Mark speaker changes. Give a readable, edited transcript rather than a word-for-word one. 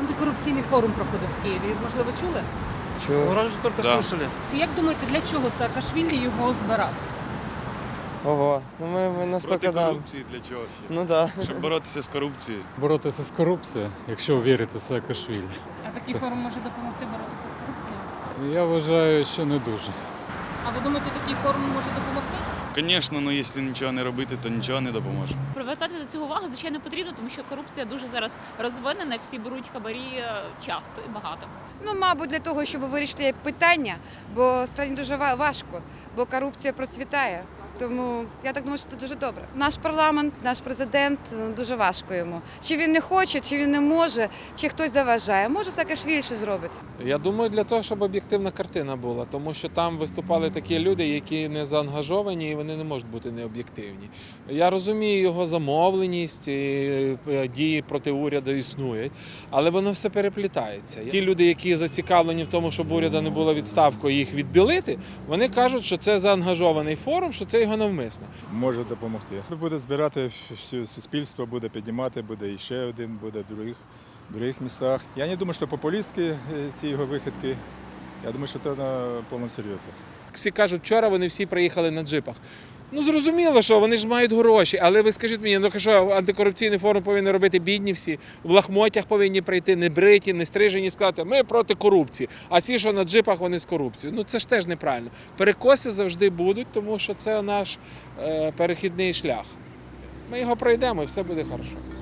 Speaker 1: Антикорупційний форум проходив в Києві. Можливо, чули?
Speaker 2: Ну, раньше только
Speaker 3: Да.
Speaker 2: слышали.
Speaker 1: Як думаєте, для чого Саакашвілі його збирав?
Speaker 2: Ого, ну мы настолько
Speaker 3: Проти
Speaker 2: да.
Speaker 3: корупції для чого ще?
Speaker 2: Ну да.
Speaker 3: Щоб боротися з корупцією.
Speaker 4: Боротися з корупцією, якщо вірити Саакашвілі.
Speaker 1: А такий форум може допомогти боротися з корупцією?
Speaker 4: Я вважаю, що не дуже.
Speaker 1: А ви думаєте, такий форум може допомогти?
Speaker 3: Звісно, але якщо нічого не робити, то нічого не допоможе.
Speaker 5: Привертати до цього увагу, звичайно, потрібно, тому що корупція дуже зараз розвинена, всі беруть хабарі часто і багато.
Speaker 6: Ну, мабуть, для того, щоб вирішити питання, бо страні дуже важко, бо корупція процвітає. Тому я так думаю, що це дуже добре. Наш парламент, наш президент дуже важко йому. Чи він не хоче, чи він не може, чи хтось заважає. Може, Саакашвілі щось зробить.
Speaker 7: Я думаю, для того, щоб об'єктивна картина була, тому що там виступали такі люди, які не заангажовані і вони не можуть бути необ'єктивні. Я розумію його замовленість, і дії проти уряду існують, але воно все переплітається. Ті люди, які зацікавлені в тому, щоб уряду не було відставку і їх відбілити, вони кажуть, що це заангажований форум, що це його навмисно.
Speaker 8: Може допомогти. Буде збирати все суспільство, буде піднімати, буде ще один, буде в других містах. Я не думаю, що популістські ці його вихідки. Я думаю, що це на повному серйозі.
Speaker 7: Всі кажуть, вчора вони всі приїхали на джипах. Ну, зрозуміло, що вони ж мають гроші, але ви скажіть мені, ну що антикорупційний форум повинен робити бідні всі, в лахмотях повинні прийти, не бриті, не стрижені, сказати, ми проти корупції, а ці, що на джипах, вони з корупцією. Ну, це ж теж неправильно. Перекоси завжди будуть, тому що це наш перехідний шлях. Ми його пройдемо і все буде добре.